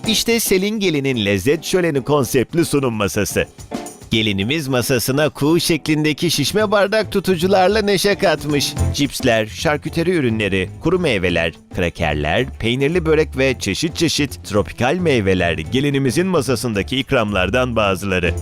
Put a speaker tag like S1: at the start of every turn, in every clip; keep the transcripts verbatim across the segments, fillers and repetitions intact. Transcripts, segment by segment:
S1: İşte Selin Gelin'in lezzet şöleni konseptli sunum masası. Gelinimiz masasına kuğu şeklindeki şişme bardak tutucularla neşe katmış. Cipsler, şarküteri ürünleri, kuru meyveler, krakerler, peynirli börek ve çeşit çeşit tropikal meyveler gelinimizin masasındaki ikramlardan bazıları.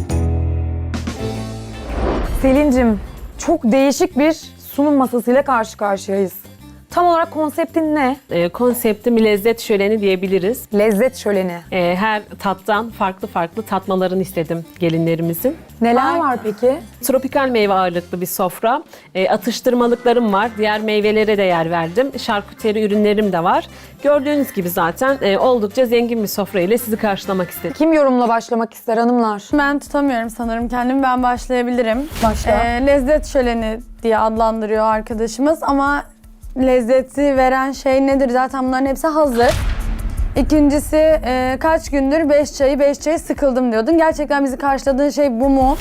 S2: Selin'cim, çok değişik bir sunum masasıyla karşı karşıyayız. Tam olarak konseptin ne?
S3: E, konseptim lezzet şöleni diyebiliriz.
S2: Lezzet şöleni.
S3: E, her tattan farklı farklı tatmalarını istedim gelinlerimizin.
S2: Neler var peki?
S3: Tropikal meyve ağırlıklı bir sofra. E, atıştırmalıklarım var. Diğer meyvelere de yer verdim. Şarküteri ürünlerim de var. Gördüğünüz gibi zaten e, oldukça zengin bir sofra ile sizi karşılamak istedim.
S2: Kim yorumla başlamak ister hanımlar?
S4: Ben tutamıyorum sanırım kendimi. Ben başlayabilirim.
S2: Başla.
S4: Ee, lezzet şöleni diye adlandırıyor arkadaşımız ama lezzeti veren şey nedir? Zaten bunların hepsi hazır. İkincisi e, kaç gündür beş çayı beş çayı sıkıldım diyordun. Gerçekten bizi karşıladığın şey bu mu?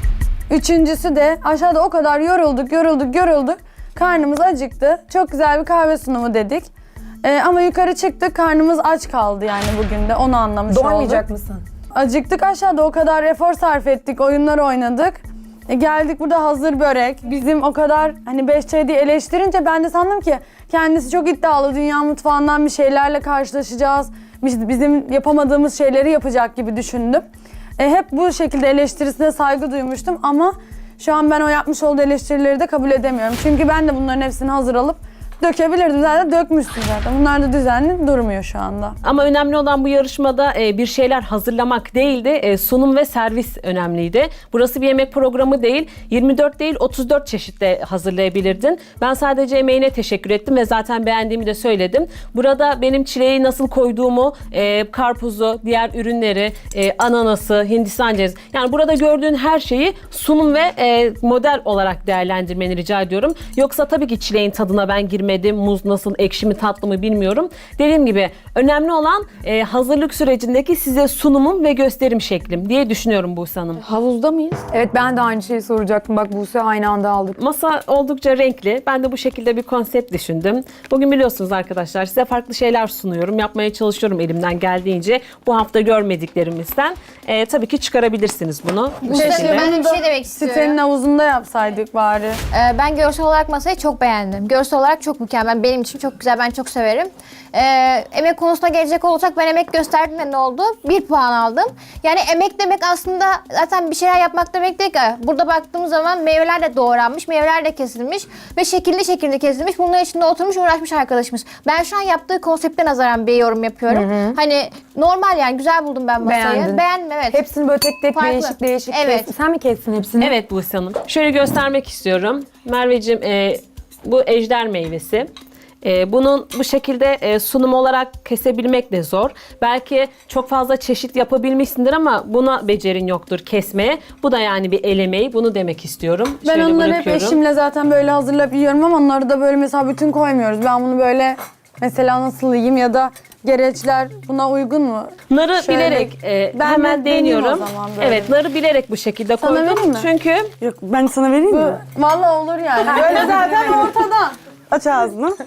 S4: Üçüncüsü de aşağıda o kadar yorulduk, yorulduk, yorulduk. Karnımız acıktı. Çok güzel bir kahve sunumu dedik. E, ama yukarı çıktık, karnımız aç kaldı yani bugün de. Onu anlamış olduk.
S2: Doymayacak mısın?
S4: Acıktık, aşağıda o kadar efor sarf ettik, oyunlar oynadık. E geldik burada hazır börek. Bizim o kadar hani beş çay diye eleştirince ben de sandım ki kendisi çok iddialı. Dünya mutfağından bir şeylerle karşılaşacağız. Biz- Bizim yapamadığımız şeyleri yapacak gibi düşündüm. E hep bu şekilde eleştirisine saygı duymuştum ama şu an ben o yapmış olduğu eleştirileri de kabul edemiyorum. Çünkü ben de bunların hepsini hazır alıp dökebilirdim. Zaten dökmüşsün zaten. Bunlar da düzenli durmuyor şu anda.
S3: Ama önemli olan bu yarışmada e, bir şeyler hazırlamak değildi, e, sunum ve servis önemliydi. Burası bir yemek programı değil, yirmi dört değil otuz dört çeşitte hazırlayabilirdin. Ben sadece emeğine teşekkür ettim ve zaten beğendiğimi de söyledim. Burada benim çileği nasıl koyduğumu, e, karpuzu, diğer ürünleri, e, ananası, hindistan cevizi, yani burada gördüğün her şeyi sunum ve e, model olarak değerlendirmeni rica ediyorum. Yoksa tabii ki çileğin tadına ben girmedim. Muz nasıl, ekşi mi, tatlı mı bilmiyorum. Dediğim gibi önemli olan e, hazırlık sürecindeki size sunumum ve gösterim şeklim diye düşünüyorum Buse Hanım.
S2: Havuzda mıyız? Evet, ben de aynı şeyi soracaktım. Bak Buse, aynı anda aldık.
S3: Masa oldukça renkli. Ben de bu şekilde bir konsept düşündüm. Bugün biliyorsunuz arkadaşlar, size farklı şeyler sunuyorum. Yapmaya çalışıyorum elimden geldiğince. Bu hafta görmediklerimizden. E, tabii ki çıkarabilirsiniz bunu. Bu
S4: Keşke
S3: şekilde.
S5: Ben de bir
S4: bunu
S5: şey demek istiyorum.
S4: Sitenin havuzunda yapsaydık bari.
S5: Ee, ben görsel olarak masayı çok beğendim. Görsel olarak çok mükemmel. Benim için çok güzel. Ben çok severim. Ee, emek konusuna gelecek olursak ben emek gösterdim de ne oldu? Bir puan aldım. Yani emek demek aslında zaten bir şeyler yapmak demek değil ki. Burada baktığımız zaman meyveler de doğranmış, meyveler de kesilmiş ve şekilli şekilde kesilmiş. Bunların içinde oturmuş uğraşmış arkadaşımız. Ben şu an yaptığı konsepte nazaran bir yorum yapıyorum. Hı hı. Hani normal yani güzel buldum ben masayı.
S2: Beğendin.
S5: Beğendim evet.
S2: Hepsini böyle tek tek
S5: Farklı.
S2: değişik değişik
S5: Evet.
S2: kes. Sen mi kestin hepsini?
S3: Evet Buse Hanım. Şöyle göstermek istiyorum. Merveciğim, e, bu ejder meyvesi. E, bunun bu şekilde e, sunum olarak kesebilmek de zor. Belki çok fazla çeşit yapabilmişsindir ama buna becerin yoktur kesmeye. Bu da yani bir el emeği. Bunu demek istiyorum.
S4: Ben
S3: Şöyle
S4: onları hep
S3: bırakıyorum.
S4: eşimle zaten böyle hazırlayıp yiyorum ama onları da böyle mesela bütün koymuyoruz. Ben bunu böyle mesela nasıl yiyeyim ya da gereçler buna uygun mu?
S3: Narı
S4: Şöyle,
S3: bilerek e,
S4: ben
S3: hemen
S4: deneyeyim o
S3: değiniyorum.
S4: zaman böyle.
S3: Evet, narı bilerek bu şekilde
S4: Sana
S3: koydum.
S4: vereyim mi?
S3: Çünkü
S6: Yok, ben sana vereyim mi?
S4: Vallahi olur yani. Böyle zaten ortada.
S6: Aç ağzını.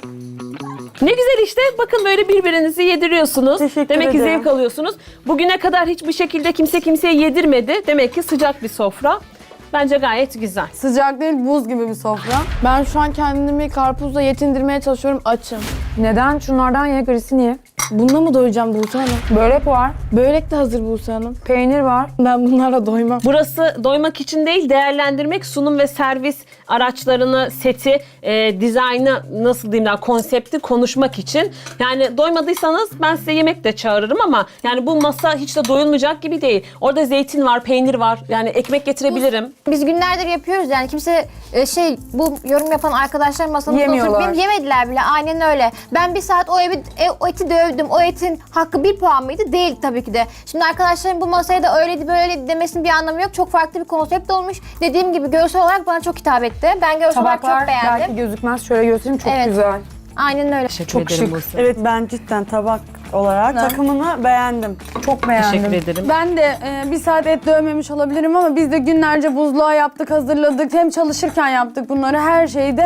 S3: ne güzel işte. Bakın böyle birbirinizi yediriyorsunuz.
S6: Teşekkür
S3: Demek ki
S6: ederim.
S3: zevk alıyorsunuz. Bugüne kadar hiçbir şekilde kimse kimseye yedirmedi. Demek ki sıcak bir sofra. Bence gayet güzel.
S4: Sıcak değil, buz gibi bir sofra.
S7: Ben şu an kendimi karpuzla yetindirmeye çalışıyorum, açım.
S2: Neden? Şunlardan ye, grisi niye?
S7: Bununla mı doyacağım Buse Hanım?
S2: Börek var,
S7: Börek de hazır Buse Hanım.
S2: peynir var.
S7: Ben bunlarla doymam.
S3: Burası doymak için değil, değerlendirmek, sunum ve servis araçlarını, seti, e, dizaynı, nasıl diyeyim daha, konsepti konuşmak için. Yani doymadıysanız ben size yemek de çağırırım ama yani bu masa hiç de doyulmayacak gibi değil. Orada zeytin var, peynir var. Yani ekmek getirebilirim.
S5: Biz günlerdir yapıyoruz yani kimse e, şey bu yorum yapan arkadaşlar masamızda
S2: Yemiyorlar.
S5: oturup benim yemediler bile, aynen öyle. Ben bir saat o, evi, e, o eti dövdüm. O etin hakkı bir puan mıydı? Değil tabii ki de. Şimdi arkadaşlarım bu masaya da öyleydi böyleydi demesinin bir anlamı yok. Çok farklı bir konsept olmuş. Dediğim gibi görsel olarak bana çok hitap etti. Ben görsel olarak
S2: Tabaklar
S5: çok beğendim.
S2: belki gözükmez. Şöyle göstereyim, çok
S5: Evet.
S2: güzel.
S5: Aynen öyle.
S3: Teşekkür
S2: Çok
S3: ederim
S2: şık.
S3: Buse.
S6: Evet, ben cidden tabak olarak takımını beğendim.
S2: Çok beğendim.
S3: Teşekkür ederim.
S4: Ben de e, bir saat et dövmemiş olabilirim ama biz de günlerce buzluğa yaptık, hazırladık. Hem çalışırken yaptık bunları, her şeyi de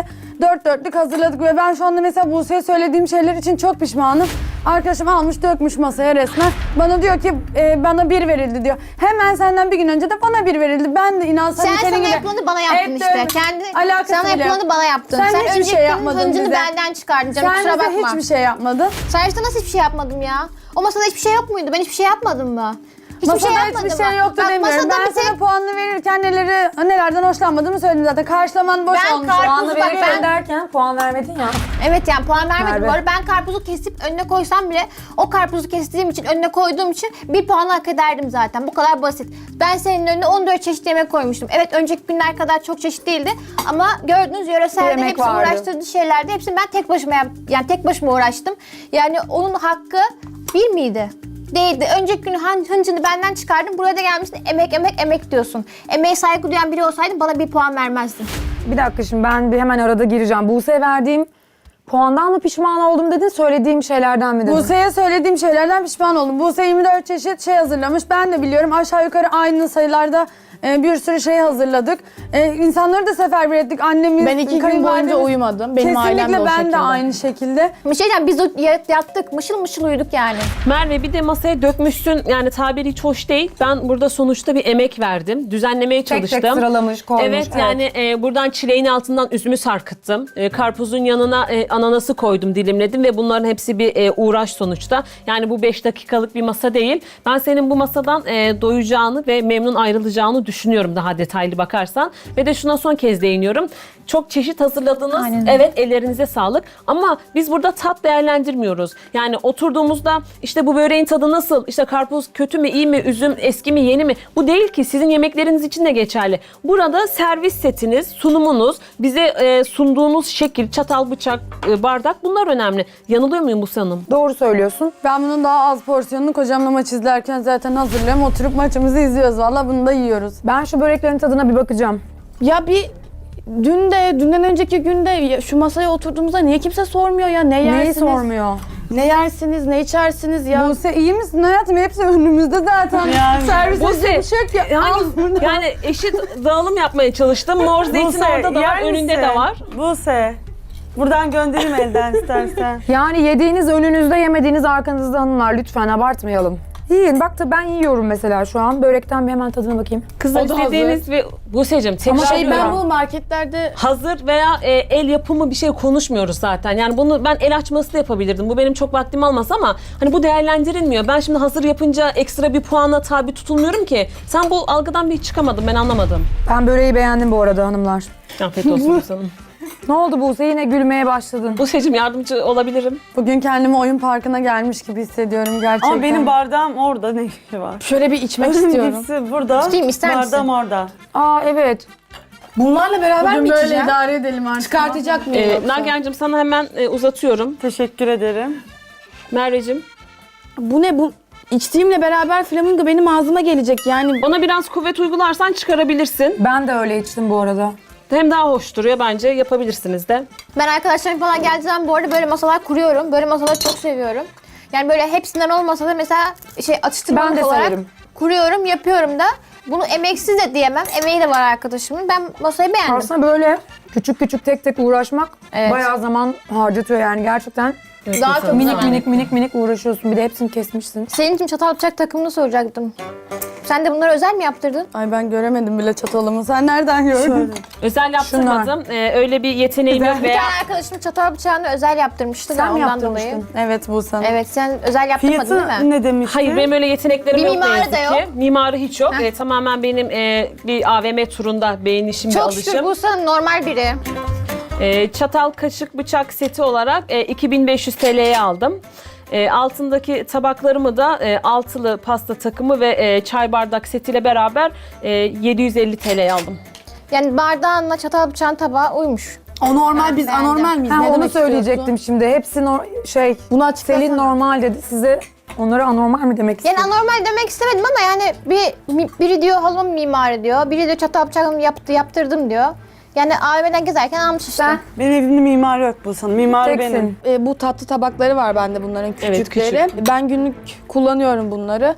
S4: Dört dörtlük hazırladık ve ben şu anda mesela Buse'ye söylediğim şeyler için çok pişmanım. Arkadaşım almış dökmüş masaya resmen. Bana diyor ki e, bana bir verildi diyor. Hemen senden bir gün önce de bana bir verildi. Ben de inan
S5: Sen
S4: senin
S5: sana
S4: gibi
S5: yapılanı bana yaptın
S4: et
S5: işte.
S4: dövme-
S5: Kendi
S4: Alakası
S5: sana
S4: bile yok.
S5: yapılanı bana yaptın.
S4: Sen
S5: Sen,
S4: hiçbir
S5: önceki
S4: şey
S5: günün
S4: yapmadın
S5: hıncını
S4: bize.
S5: benden çıkardın canım,
S4: Sen
S5: kusura
S4: bize
S5: bakma.
S4: hiçbir şey yapmadın.
S5: Sen işte nasıl hiçbir şey yapmadım ya? O masada hiçbir şey yok muydu? Ben hiçbir şey yapmadım mı? Hiçbir
S4: Masada
S5: şey yapmadım
S4: hiçbir şey
S5: mı?
S4: yoktu
S5: Bak,
S4: demiyorum.
S5: masada
S4: Ben
S5: bir tek-
S4: sana puanını verirken neleri, nelerden hoşlanmadığımı söyledim zaten. Karşılaman boş
S5: Ben
S4: olmuş.
S5: karpuzu
S2: Puanı
S5: bak
S2: verirken
S5: ben...
S2: derken puan vermedin ya.
S5: Evet yani puan vermedim
S2: Merve.
S5: bu arada. Ben karpuzu kesip önüne koysam bile o karpuzu kestiğim için, önüne koyduğum için bir puan hak ederdim zaten. Bu kadar basit. Ben senin önüne on dört çeşit yemek koymuştum. Evet önceki günler kadar çok çeşit değildi ama gördüğünüz yöreselde
S2: Yemek
S5: hepsi
S2: vardı.
S5: uğraştırdığı şeylerdi. Hepsini ben tek başıma yap yani tek başıma uğraştım. Yani onun hakkı bir miydi? Değildi. Önceki gün hın- hıncını benden çıkardın. Buraya da gelmişsin emek emek emek diyorsun. Emeğe saygı duyan biri olsaydın bana bir puan vermezdin.
S2: Bir dakika şimdi ben bir hemen arada gireceğim. Buse'ye verdiğim puandan mı pişman oldum dedin, söylediğim şeylerden mi dedin?
S4: Buse'ye söylediğim şeylerden pişman oldum. Buse yirmi dört çeşit şey hazırlamış. Ben de biliyorum aşağı yukarı aynı sayılarda e, bir sürü şey hazırladık. E, insanları da seferber ettik. Annemiz,
S7: Ben iki gün
S4: kayınvalidemiz-
S7: boyunca uyumadım. Benim ailem de
S4: Kesinlikle
S7: o
S4: ben
S7: şekilde.
S4: de aynı şekilde.
S5: Bir şey diyeceğim, biz o- yat- yattık mışıl mışıl uyuduk yani.
S3: Merve bir de masaya dökmüşsün, yani tabiri hiç hoş değil. Ben burada sonuçta bir emek verdim. Düzenlemeye
S2: tek
S3: çalıştım.
S2: sıralamış, koymuş,
S3: Evet,
S2: evet.
S3: yani e, buradan çileğin altından üzümü sarkıttım. E, karpuzun yanına e, ananası koydum, dilimledim ve bunların hepsi bir e, uğraş sonuçta. Yani bu beş dakikalık bir masa değil. Ben senin bu masadan e, doyacağını ve memnun ayrılacağını düşünüyorum daha detaylı bakarsan. Ve de şuna son kez değiniyorum. Çok çeşit hazırladınız.
S5: Aynen öyle.
S3: Evet, ellerinize sağlık. Ama biz burada tat değerlendirmiyoruz. Yani oturduğumuzda işte bu böreğin tadı nasıl? İşte karpuz kötü mü, iyi mi, üzüm eski mi, yeni mi? Bu değil ki. Sizin yemekleriniz için de geçerli. Burada servis setiniz, sunumunuz, bize e, sunduğunuz şekil, çatal, bıçak, e, bardak, bunlar önemli. Yanılıyor muyum Buse Hanım?
S2: Doğru söylüyorsun.
S4: Ben bunun daha az porsiyonunu kocamla maç izlerken zaten hazırlıyorum. Oturup maçımızı izliyoruz. Valla bunu da yiyoruz.
S2: Ben şu böreklerin tadına bir bakacağım.
S7: Ya bir dün de, dünden önceki günde ya şu masaya oturduğumuzda niye kimse sormuyor ya? Ne yersiniz?
S2: Neyi sormuyor?
S7: Ne yersiniz, ne içersiniz ya?
S4: Buse iyi misin hayatım? Hepsi önümüzde zaten.
S6: Yani.
S4: Servise
S3: Buse,
S4: bir şey yok ya.
S3: Yani,
S4: Al bunu.
S3: yani eşit dağılım yapmaya çalıştım. Mor zeytin
S6: Buse,
S3: orada da var,
S6: yer
S3: önünde
S6: misin?
S3: de var.
S6: Buse. Buradan göndereyim elden istersen.
S2: Yani yediğiniz önünüzde, yemediğiniz arkanızda hanımlar, lütfen abartmayalım. Yiyin. Bak da ben yiyorum mesela şu an. Börekten bir hemen tadına bakayım.
S3: Kızlar
S7: O da
S3: istediğiniz ve Buse'cim tekrar
S2: Ama
S7: Şey
S3: diyorum.
S7: ben bu marketlerde
S3: Hazır veya e, el yapımı bir şey konuşmuyoruz zaten. Yani bunu ben el açması da yapabilirdim. Bu benim çok vaktimi almaz ama hani bu değerlendirilmiyor. Ben şimdi hazır yapınca ekstra bir puana tabi tutulmuyorum ki. Sen bu algıdan bir çıkamadın, ben anlamadım.
S2: Ben böreği beğendim bu arada hanımlar.
S3: Afiyet olsun Buse Hanım.
S2: Ne oldu Buse? Yine gülmeye başladın.
S3: Buse'cim yardımcı olabilirim.
S4: Bugün kendimi oyun parkına gelmiş gibi hissediyorum gerçekten.
S6: Ama benim bardağım orada, ne işi var?
S7: şöyle bir içmek istiyorum.
S6: Hepsi burada.
S5: Tutayım, ister misin?
S6: Bardağım orada.
S2: Aa evet.
S7: Bunlarla beraber
S4: Bugün
S7: mi
S4: böyle
S7: içeceğim?
S4: idare edelim artık.
S7: Çıkartacak mıyım
S3: Ee,
S7: yoksa?
S3: Nagihan'cığım sana hemen e, uzatıyorum.
S6: Teşekkür ederim.
S3: Merveciğim,
S7: Bu ne bu? İçtiğimle beraber flamingo benim ağzıma gelecek yani.
S3: ona biraz kuvvet uygularsan çıkarabilirsin.
S2: Ben de öyle içtim bu arada.
S3: Hem daha hoş duruyor bence, yapabilirsiniz de.
S5: Ben arkadaşlarım falan geldiği zaman bu arada böyle masalar kuruyorum. Böyle masaları çok seviyorum. Yani böyle hepsinden olmasa da mesela şey atıştırmalık
S2: Ben de
S5: olarak
S2: severim.
S5: kuruyorum, yapıyorum da. Bunu emeksiz de diyemem. Emeği de var arkadaşımın. Ben masayı beğendim.
S2: Aslında böyle küçük küçük tek tek uğraşmak
S5: Evet.
S2: bayağı zaman harcatıyor yani gerçekten.
S5: Daha çok
S2: Minik
S5: zaman.
S2: minik minik minik uğraşıyorsun. Bir de hepsini kesmişsin.
S5: Senin için çatal bıçak takımını soracaktım. Sen de bunları özel mi yaptırdın?
S4: Ay ben göremedim bile çatalımı. Sen nereden gördün?
S3: Özel yaptırmadım. Ee, öyle bir yeteneğim yok
S5: Bir
S3: veya
S5: tane arkadaşım çatal bıçağını özel yaptırmıştı
S2: Sen
S5: da
S2: mi
S5: ondan dolayı.
S2: yaptırmıştın?
S4: Evet Buse Hanım.
S5: Evet, sen özel yaptırmadın
S6: Fiyatı
S5: değil mi?
S6: ne demiştin?
S3: hayır, benim öyle yeteneklerim
S5: Bir
S3: yok ne
S5: mimarı
S3: yazık
S5: da
S3: ki.
S5: yok.
S3: Mimarı hiç yok.
S5: Heh.
S3: Ee, tamamen benim e, bir A V M turunda beğenişim ve
S5: Çok şükür
S3: alışım.
S5: bu sana normal biri.
S3: Ee, çatal, kaşık, bıçak seti olarak e, iki bin beş yüz T L'ye aldım. E, altındaki tabaklarımı da e, altılı pasta takımı ve e, çay bardak setiyle beraber e, yedi yüz elli T L'ye aldım.
S5: Yani bardağınla çatal bıçağın tabağı uymuş.
S7: O normal, biz
S5: beğendim.
S7: anormal miyiz?
S2: Ha,
S7: Ne
S2: onu
S7: demek
S2: söyleyecektim
S7: istiyorsun?
S2: şimdi. Hepsi nor- şey,
S7: Bunu açıklasana.
S2: Selin normal dedi. Size onlara anormal mi demek
S5: Yani
S2: istedim?
S5: anormal demek istemedim ama yani bir mi- biri diyor halım mimarı diyor, biri diyor çatal bıçağımı yaptı, yaptırdım diyor. Yani A V M'den gezerken almış işte.
S2: Sen
S6: Benim evimde mimar yok bu sana. Mimar
S2: teksin.
S6: benim.
S7: E, bu tatlı tabakları var bende bunların
S3: Evet,
S7: küçükleri. Ben günlük kullanıyorum bunları.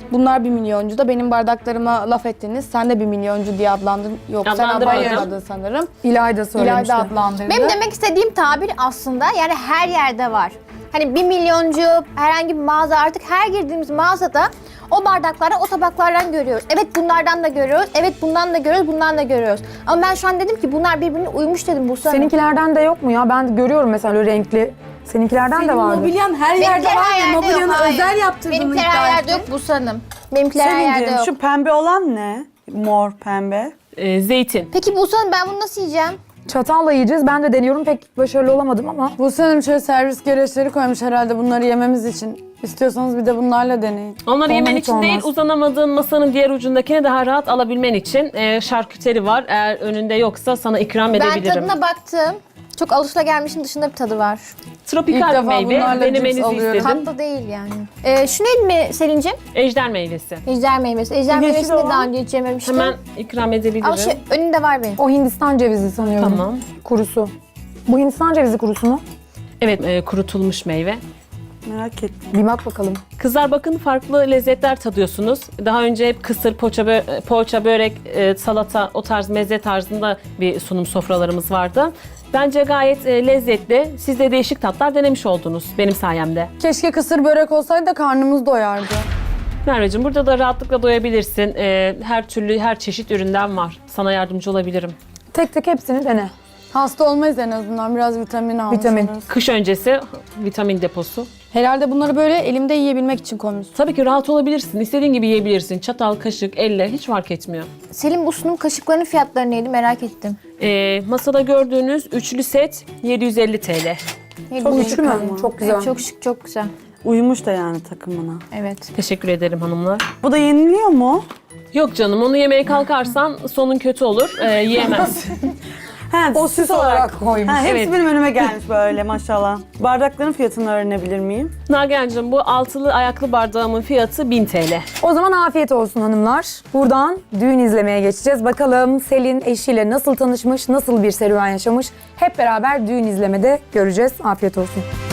S7: Bunlar bir milyoncu da benim bardaklarıma laf ettiniz. Sen de bir milyoncu diye adlandın. Yok sen
S3: Adlandırmadım.
S7: adlandırmadın sanırım.
S2: İlayda söylemişti.
S7: İlayda adlandırdı.
S5: Benim demek istediğim tabir aslında yani her yerde var. Hani bir milyoncu, herhangi bir mağaza, artık her girdiğimiz mağazada o bardakları o tabaklardan görüyoruz. Evet bunlardan da görüyoruz, evet bundan da görüyoruz, bundan da görüyoruz. Ama ben şu an dedim ki bunlar birbirine uymuş dedim Buse Hanım.
S2: Seninkilerden de yok mu ya? Ben görüyorum mesela öyle renkli. Seninkilerden de vardı.
S6: Mobilyan her yerde
S5: Benimkiler
S6: var
S5: her
S6: ya,
S5: yerde yok,
S6: mobilyanı
S5: hayır.
S6: özel yaptırdığını
S5: Benimkiler
S6: iddia
S5: her yerde
S6: etti.
S5: yok Buse Hanım. Benimkiler her yerde
S6: Selin'cim
S5: yok.
S6: şu pembe olan ne? Mor pembe.
S3: E, zeytin.
S5: Peki Buse Hanım ben bunu nasıl yiyeceğim?
S2: Çatalla yiyeceğiz. Ben de deniyorum. Pek başarılı olamadım ama.
S4: Buse Hanım şöyle servis gereçleri koymuş herhalde bunları yememiz için. İstiyorsanız bir de bunlarla deneyin.
S3: Onları yemen
S2: hiç
S3: için değil,
S2: olmaz.
S3: uzanamadığın masanın diğer ucundakini daha rahat alabilmen için e, şarküteri var. Eğer önünde yoksa sana ikram
S5: Ben
S3: edebilirim.
S5: tadına baktım. Çok alışılagelmişin dışında bir tadı var.
S3: Tropikal
S4: İlk defa
S3: meyve,
S4: bunlarla
S3: denemenizi
S4: cips alıyorum.
S3: istedim.
S5: Tatlı değil yani. Ee, şu neydi mi Selin'cim?
S3: Ejder meyvesi.
S5: Ejder meyvesi. Ejder
S6: Yeşil
S5: meyvesini de
S6: olan.
S5: daha önce hiç yememiştim.
S3: Hemen ikram edebilirim.
S5: Ama şu önünde var benim.
S2: O Hindistan cevizi sanıyorum.
S3: Tamam.
S2: Kurusu. Bu Hindistan cevizi kurusu mu?
S3: Evet, e, kurutulmuş meyve.
S6: Merak ettim.
S2: Bir bak bakalım.
S3: Kızlar bakın farklı lezzetler tadıyorsunuz. Daha önce hep kısır, poğaça, bö- poğaça börek, e, salata, o tarz meze tarzında bir sunum sofralarımız vardı. Bence gayet e, lezzetli. Siz de değişik tatlar denemiş oldunuz benim sayemde.
S4: Keşke kısır börek olsaydı da karnımız doyardı.
S3: Merveciğim burada da rahatlıkla doyabilirsin. E, her türlü, her çeşit üründen var. Sana yardımcı olabilirim.
S2: Tek tek hepsini dene.
S4: Hasta olmayız en azından biraz vitamin almış
S2: Vitamin.
S4: oluruz.
S3: Kış öncesi vitamin deposu.
S7: Herhalde bunları böyle elimde yiyebilmek için koymuşsun.
S3: Tabii ki rahat olabilirsin. İstediğin gibi yiyebilirsin. Çatal, kaşık, elle hiç fark etmiyor.
S5: Selim bu sunum kaşıklarının fiyatları neydi merak ettim.
S3: E, masada gördüğünüz üçlü set yedi yüz elli TL.
S5: Neydi
S2: Çok
S5: bu?
S2: güçlü mü? Çok güzel.
S5: Evet, çok şık, çok güzel.
S6: Uyumuş da yani takımına.
S5: Evet.
S3: Teşekkür ederim hanımlar.
S6: Bu da yeniliyor mu?
S3: Yok canım onu yemeye kalkarsan sonun kötü olur. E, yiyemezsin.
S6: He,
S2: O süs olarak koymuş.
S6: Ha, hepsi
S3: Evet.
S6: benim önüme gelmiş böyle maşallah. Bardakların fiyatını öğrenebilir miyim?
S3: Nagihan'cığım bu altılı ayaklı bardağımın fiyatı bin TL.
S2: O zaman afiyet olsun hanımlar. Buradan düğün izlemeye geçeceğiz. Bakalım Selin eşiyle nasıl tanışmış, nasıl bir serüven yaşamış. Hep beraber düğün izlemede göreceğiz. Afiyet olsun.